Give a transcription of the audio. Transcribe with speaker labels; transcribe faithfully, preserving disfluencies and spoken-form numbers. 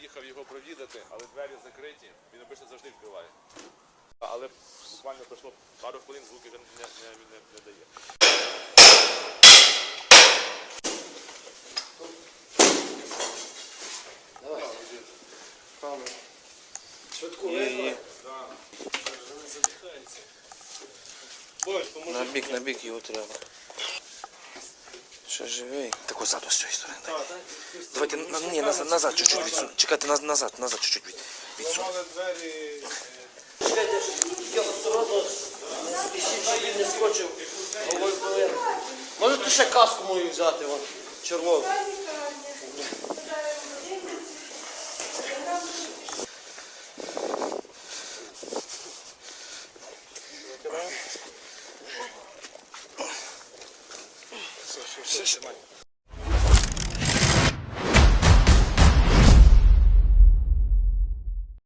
Speaker 1: Їхав його провідати, але двері закриті, він обично завжди відкриває. Але буквально пройшло пару хвилин, звуки вже не, не, не, не дає.
Speaker 2: Давай. Камеру. Швидку визвали? Так.
Speaker 3: На бік, на бік його треба. Ще живий. Так ось ззаду з цієї сторони. Давайте, на, ні, назад, назад чуть-чуть відсунь. Чекайте, наз- назад, назад чуть-чуть від, відсунь.
Speaker 1: двері...
Speaker 2: Чекайте, я осторожно спішіть, щоб він не скочив. Головою половину. Можете ще каску мою взяти, вон, червону.
Speaker 3: Все, все, все,